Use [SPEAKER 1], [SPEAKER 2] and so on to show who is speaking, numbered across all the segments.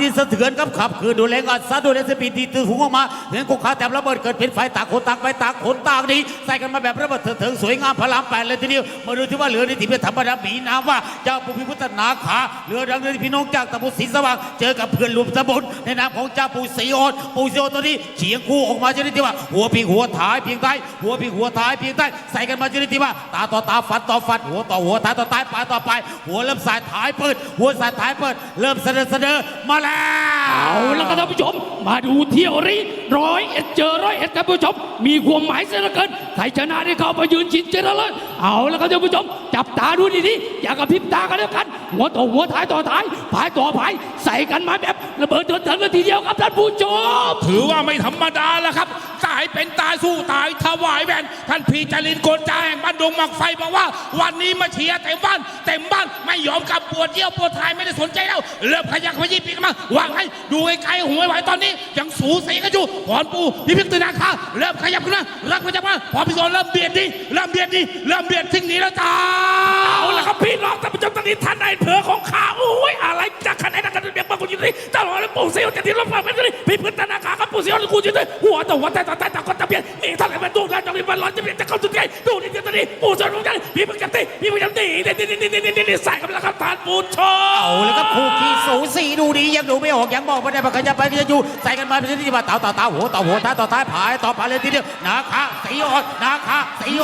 [SPEAKER 1] ดินสะเทือนกับขับคือดูแรงอัดซัดดูแรงสปีดตีตื่นหูออกมาเห็นกุกขาแต่ระเบิดเกิดเป็นไฟต่างคนต่างไปต่างคนต่างดีใส่กันมาแบบระเบิดเถิงสวยงามพลามแปดเลยทีเดียวมาดูที่ว่าเหลือในทีมธรรมดาบีน้ำว่าเจ้าปู่พิพุทธนาคาเหลือดังเลยพี่น้องจากตะบุศรีสว่างเจอกับเพื่อนรวมตะบุญในนามของเจ้าปู่ศรีออนปู่ศรีออนตัวนี้เฉียงคู่ออกมาจะได้ที่ว่าหัวพิงหัวท้ายเพียงใต้หัวพิงหัวท้ายเพียงใต้ใส่กันมาจะได้ที่ว่าตาต่อตาฟันต่อฟันหัวต่อหัวท้ายต่อท้ายปลายต่อปลายหัวเริ่มสายท้ายเปิดหัวสายท้ายเปิดเริ่มเสนอมาแล้ว
[SPEAKER 2] เอาแล้วก็ท่านผู้ชมมาดูเที่ยวนี้101เจอ101ครับผู้ชมมีความหมายเสียเหลือเกินใครชนะได้เข้าไปยืนชิดเจริญเลยเอาแล้วก็ท่านผู้ชมจับตาดูดีๆอย่ากระพริบตากันแล้วกันหัวต่อหัวท้ายต่อท้ายผายต่อผายใส่กันมาแบบระเบิดเถิดเลยทีเดียวครับท่านผู้ชม
[SPEAKER 3] ถือว่าไม่ธรรมดาแล้วครับตายเป็นตายสู้ตายถวายแวนท่านพีจารินโกนจาแห่งบ้านดงหมักไฟบอกว่าวันนี้มาเชียร์เต็มบ้านไม่ยอมกลับปวดเยี่ยวปวดท้ายไม่ได้สนใจแล้วเริ่มขยักขยี้ปีกมาวางให้ดูไกลๆหัวไหวตอนนี้ยังสูสีกันอยู่พรปูพิพิธนาคาเริ่มขยับขึ้นมารักขยับมาพรพิศรเริ่มเบียดทิ้งหนีแล้วจ้า
[SPEAKER 2] เอาละครับพี่น้องท่านผู้ชมตอนนี้ท่านนายอำเภอของข้าโอ้ยอะไรจากขนาดนั้นกันเบียงบางคนอยู่ที่ตลอดเลยปู่เสียวจะที่รถไฟไม่ได้พิพิธนาคาครับปู่เสียวกูอยู่ที่หัวต่อหัวแต่ต่อคนตะเบียนนี่ท่านไหนมาดูแลจังหวัดร้อนจะเปลี่ยนจะเข้าจุดใหญ่ดูนี่ตอนนี้ปู่เสียวรู้จักพี่พึ่งจันตีนี่ใส่กันแล้วครับท่านผู้ชม
[SPEAKER 1] เอาเลยครับคู่ขี้สูสีดูดียังดูไม่ออกยังบอกไม่ได้ว่าใครจะไปใครจะอยู่ใส่กันมาเป็นที่ว่าตาหัวท้ายต่อท้ายผายต่อผายเลยทีเดียวนาคาสีอ่อนนาคา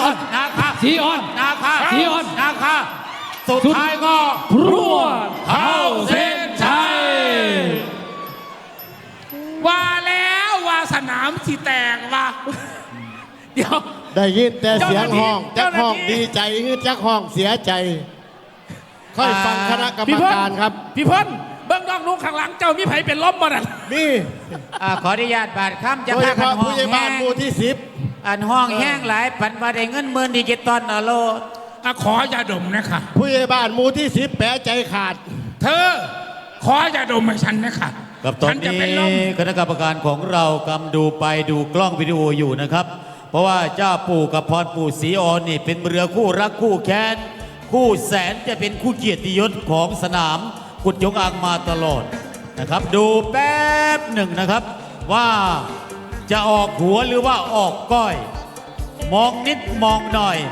[SPEAKER 1] สุดท้ายก็
[SPEAKER 2] พรวดเข้าเส้นชัย
[SPEAKER 3] ว่าแล้วว่าสนามสีแตกว่า
[SPEAKER 2] เดี๋ยว
[SPEAKER 4] ได้ยินแต่เสียงห้องจักห้องดีใจฮือจักห้องเสียใจค่อยฟังคณะกรรมการครับ
[SPEAKER 2] พี่เพิ่นเบื้องนอกนู้ข้างหลังเจ้ามีไผเป็นล้มบ่นั่น
[SPEAKER 4] มี
[SPEAKER 1] ขออนุญาตบาดค่ำจะ
[SPEAKER 4] พากันห้องแห้งหมู่ที่10
[SPEAKER 1] อันห้องแห้งหลายปันมาได้เงิน10,000ดิจิตอลโล
[SPEAKER 3] ขอยาดมนะคะ
[SPEAKER 4] ผู้ใหญ่บ้านหมู่ที่10แปะใจขาด
[SPEAKER 3] เธอขอยาดมให้ฉันนะคะ
[SPEAKER 1] กับตอนนี้คณะกรรมการของเรากำดูไปดูกล้องวิดีโออยู่นะครับเพราะว่าเจ้าปู่กับพรปู่ศรีออนนี่เป็นเรือคู่รักคู่แค้นคู่แสนจะเป็นคู่เกียรติยศของสนามกุดยงอางมาตลอดนะครับดูแป๊บหนึ่งนะครับว่าจะออกหัวหรือว่าออกก้อยมองนิดมองหน่อย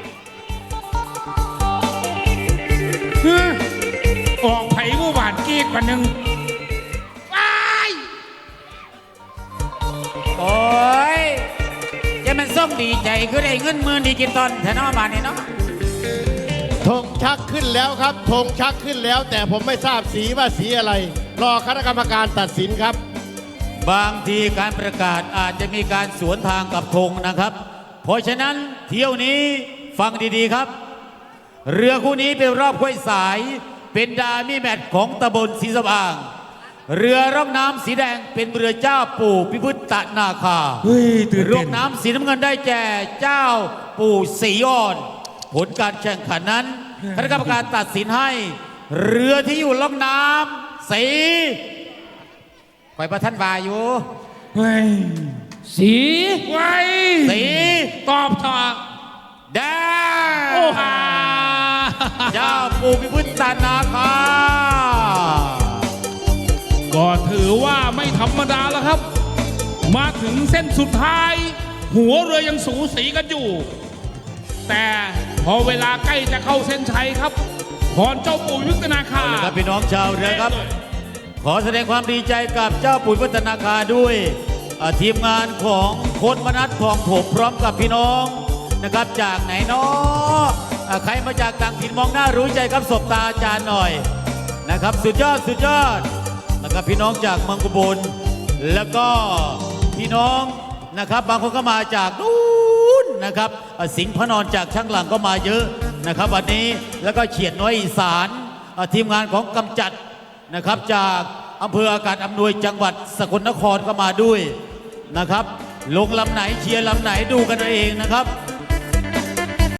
[SPEAKER 3] ออกไผ่ผู้หวานกีกกว่านึง
[SPEAKER 1] โอ้ยจะมันส้มดีใจคือได้เงิน10,000ดิจิตอลแถวน้องบ้านนี่เนาะ
[SPEAKER 4] ธงชักขึ้นแล้วครับธงชักขึ้นแล้วแต่ผมไม่ทราบสีว่าสีอะไรรอคณะกรรมการตัดสินครับ
[SPEAKER 1] บางทีการประกาศอาจจะมีการสวนทางกับธงนะครับเพราะฉะนั้นเที่ยวนี้ฟังดีๆครับเรือคู่นี้เป็นรอบห้วยสายเป็นดามี่แมตช์ของตำบลศรีสว่างเรือร่องน้ำสีแดงเป็นเรือเจ้าปู่พิพุทธนาคาร่องน้ำสีน้ำเงินได้แก่เจ้าปู่ศรีอ่อนผลการแข่งขันนั้นคณะกรรมการตัดสินให้เรือที่อยู่ร่องน้ำสีคอยประทันวาอยู่
[SPEAKER 2] สี
[SPEAKER 3] ตอบต่อ
[SPEAKER 1] แดงเจ้าปู่พิพุทธนาคา
[SPEAKER 3] ก็ถือว่าไม่ธรรมดาแล้วครับมาถึงเส้นสุดท้ายหัวเรือยังสูสีกันอยู่แต่พอเวลาใกล้จะเข้าเส้นชัยครับพรเจ้าปู่พิพุทธนาคา
[SPEAKER 1] ครับพี่น้องชาวเรือครับขอแสดงความดีใจกับเจ้าปู่พิพุทธนาคาด้วยทีมงานของโค้ชมนัสทองถมพร้อมกับพี่น้องนะครับจากไหนเนาะใครมาจากต่างถิ่นมองหน้ารู้ใจครับสบตาอาจารย์หน่อยนะครับสุดยอดนะครับพี่น้องจากเมืองกุบลแล้วก็พี่น้องนะครับบางคนก็มาจากนู้นนะครับสิงห์พระนอนจากช่างหลังก็มาเยอะนะครับวันนี้แล้วก็เฉียดน้อยอีสานทีมงานของกำจัดนะครับจากอำเภออากาศอำนวยจังหวัดสกลนครก็มาด้วยนะครับลงลำไหนเชียร์ลำไหนดูกันเองนะครับ